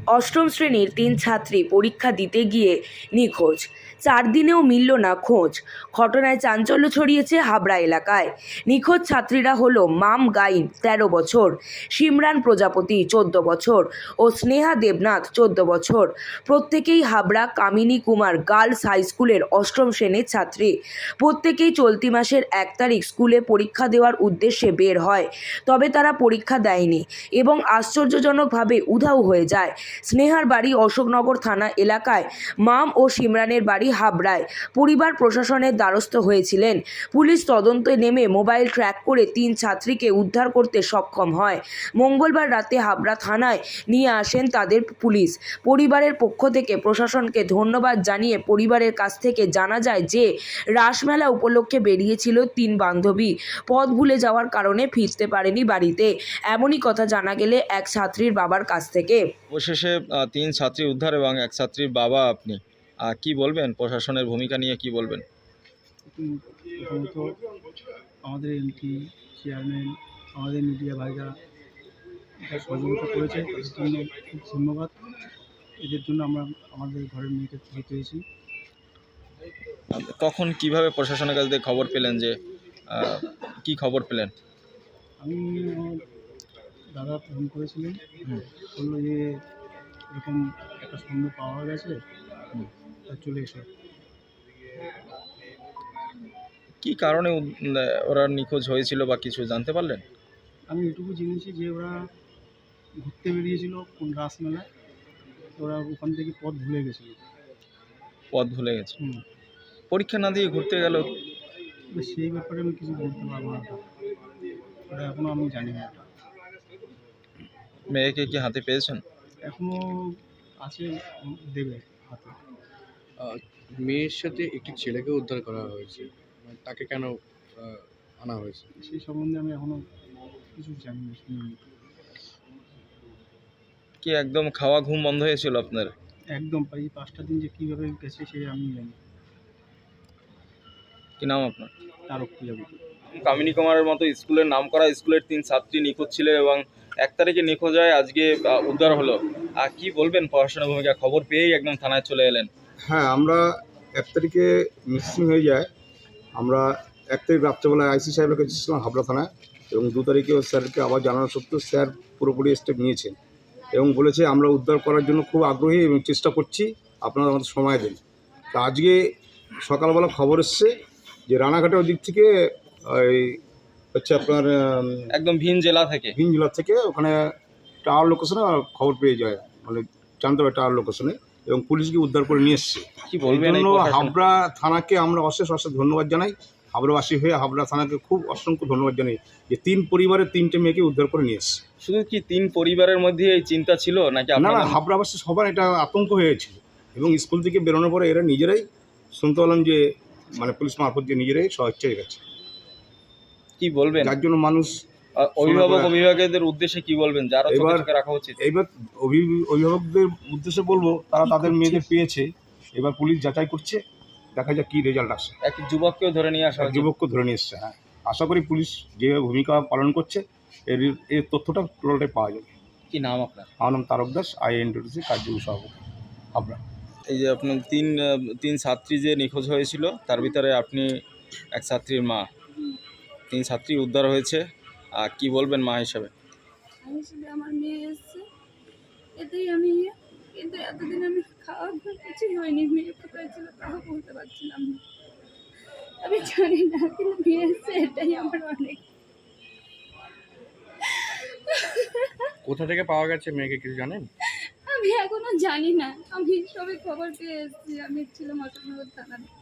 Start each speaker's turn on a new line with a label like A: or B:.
A: অষ্টম শ্রেণীর 3 ছাত্রী পরীক্ষা দিতে গিয়ে নিখোঁজ। 4 দিনেও মিলল না খোঁজ। ঘটনায় চাঞ্চল্য ছড়িয়েছে হাবড়া এলাকায়। নিখোঁজ ছাত্রীরা হলো মাম গাইন 13 বছর, সিমরান প্রজাপতি 14 বছর ও স্নেহা দেবনাথ 14 বছর। প্রত্যেকেই হাবড়া কামিনী কুমার গার্লস হাই স্কুলের অষ্টম শ্রেণীর ছাত্রী। প্রত্যেকেই চলতি মাসের 1 তারিখ স্কুলে পরীক্ষা দেওয়ার উদ্দেশ্যে বের হয়। তবে তারা পরীক্ষা দেয়নি এবং আশ্চর্যজনকভাবে উধাও হয়ে যায়। স্নেহার বাড়ি অশোকনগর থানা এলাকায়, মাম ও সিমরানের বাড়ি হাবড়ায়। পরিবার প্রশাসনের দ্বারস্থ হয়েছিলেন। পুলিশ তদন্তে নেমে মোবাইল ট্র্যাক করে 3 ছাত্রীকে উদ্ধার করতে সক্ষম হয়। মঙ্গলবার রাতে হাবড়া থানায় নিয়ে আসেন তাদের পুলিশ। পরিবারের পক্ষ থেকে প্রশাসনকে ধন্যবাদ জানিয়ে পরিবারের কাছ থেকে জানা যায় যে রাসমেলা উপলক্ষে বেরিয়েছিল 3 বান্ধবী। পথ ভুলে যাওয়ার কারণে ফিরতে পারেনি বাড়িতে। এমনই কথা জানা গেলে এক ছাত্রীর বাবার কাছ থেকে।
B: অবশেষে 3 ছাত্রী উদ্ধার এবং এক ছাত্রীর বাবা আপনি কি বলবেন, প্রশাসনের ভূমিকা নিয়ে কি বলবেন?
C: প্রথমত আমাদের এমপি, চেয়ারম্যান, আমাদের মিডিয়া ভাইরা সহযোগিতা করেছে, তাদের জন্য খুব ধন্যবাদ। এদের জন্য আমরা আমাদের ঘরের মেয়েকে ফিরে পেয়েছি।
B: তখন কিভাবে প্রশাসনের কাছ থেকে খবর পেলেন, যে কি খবর পেলেন?
C: আমি দাদা ফোন করেছিলেন, বললো যে এরকম একটা সন্দেহ পাওয়া গেছে, তা চলে এসো।
B: কি কারণে ওরা নিখোঁজ হয়েছিল বা কিছু জানতে পারলেন?
C: আমি এটুকু জেনেছি যে ওরা ঘুরতে বেরিয়েছিল কোন রাসমেলায়, ওরা ওখান থেকে পথ ভুলে গেছিলো।
B: পথ ভুলে গেছে? পরীক্ষা না দিয়ে ঘুরতে গেল?
C: সেই ব্যাপারে আমি কিছু বলতে পারবো না, ওটা এখনও আমি জানি না।
B: মেয়েকে কি হাতে পেয়েছেন?
C: এখনও আছে, দেবে হাতে।
D: মেয়ের সাথে একটি ছেলেকে উদ্ধার করা হয়েছে, তাকে কেন আনা হয়েছে
C: সেই সম্বন্ধে আমি এখনও কিছু জানি না, শুনিনি।
B: কি একদম খাওয়া ঘুম বন্ধ হয়েছিল আপনার?
C: একদম, এই 5টা দিন যে কীভাবে গেছে সে আমি জানি।
B: কি নাম আপনার?
C: তারক প্রজাপতি।
B: কামিনী কুমারের মতো স্কুলের নামকরা স্কুলের 3 ছাত্রী নিখোঁজ ছিল এবং 1 তারিখে নিখোঁজ হয়, আজকে উদ্ধার হলো। কি বলবেন প্রশাসনের ভূমিকা? খবর পেয়েই একদম থানায় চলে এলেন।
E: হ্যাঁ, আমরা 1 তারিখে মিসিং হয়ে যায়। আমরা 1 তারিখ রাত্রেবেলায় আইসি সাহেবের কাছে ছিলাম হাবড়া থানায়, এবং 2 তারিখেও স্যারকে আবার জানানো সত্ত্বেও স্যার পুরোপুরি স্টেপ নিয়েছেন এবং বলেছে আমরা উদ্ধার করার জন্য খুব আগ্রহী এবং চেষ্টা করছি, আপনারা আমাদের সময় দিন। তো আজকে সকালবেলা খবর এসছে যে রানাঘাটের দিক থেকে ওই হচ্ছে আপনার
B: একদম ভিন জেলা থেকে
E: ওখানে টাওয়ার লোকেশনে খবর পেয়ে যায়, মানে জানতে পারে টাওয়ার লোকেশনে, এবং পুলিশকে উদ্ধার করে নিয়ে এসছে।
B: কি বলবেন?
E: হাবড়া থানাকে আমরা অশেষ ধন্যবাদ জানাই। হাবড়াবাসী হয়ে হাবড়া থানাকে খুব অসংখ্য ধন্যবাদ জানাই যে 3 পরিবারের 3টে মেয়েকে উদ্ধার করে নিয়ে এসছে।
B: শুধু কি 3 পরিবারের মধ্যে এই চিন্তা ছিল নাকি?
E: না, হাবড়াবাসী সবার এটা আতঙ্ক হয়েছিল, এবং স্কুল থেকে বেরোনোর পরে এরা নিজেরাই শুনতে পেলাম যে মানে পুলিশ মারফত দিয়ে নিজেরাই স্বেচ্ছায় গেছে।
B: কি বলবেন?
E: যার জন্য মানুষ
B: অভিভাবকদের উদ্দেশ্যে কি বলবেন, যারা চোখে রাখা উচিত?
E: এবার অভিভাবকদের উদ্দেশ্যে বলবো, তারা তাদের মেয়েদের পেয়েছে, এবার পুলিশ যাচাই করছে, দেখা যাক কী রেজাল্ট আসে।
B: এক যুবককেও ধরে নিয়ে আসা,
E: যুবককে ধরে নিয়ে এসছে। হ্যাঁ, আশা করি পুলিশ যেভাবে ভূমিকা পালন করছে এর তথ্যটা টোটালটাই পাওয়া যাবে।
B: কি নাম আপনার?
E: আমার নাম তারক দাস, INTTC কার্যকরী সভাপতি হাবড়া।
B: এই যে আপনার 3 ছাত্রী যে নিখোঁজ হয়েছিল, তার ভিতরে আপনি এক ছাত্রীর মা। 3 ছাত্রী উদ্ধার হয়েছে, কি বলবেন মা হিসাবে?
F: আমার মেয়ে এসছে, এতেই আমি কিন্তু এতদিন আমি খাওয়া কিছুই হয়নি। মেয়ে কোথায় ছিল তাও বলতে পারছিলাম না, আমি জানি না, কিন্তু মেয়ে এসছে এটাই আমার অনেক।
D: কোথা থেকে পাওয়া গেছে মেয়েকে কিছু জানেন?
F: আমি এখনো জানি না, আমি সবে খবর পেয়ে এসেছি। আমি ছিলাম অশোকনগর থানায়।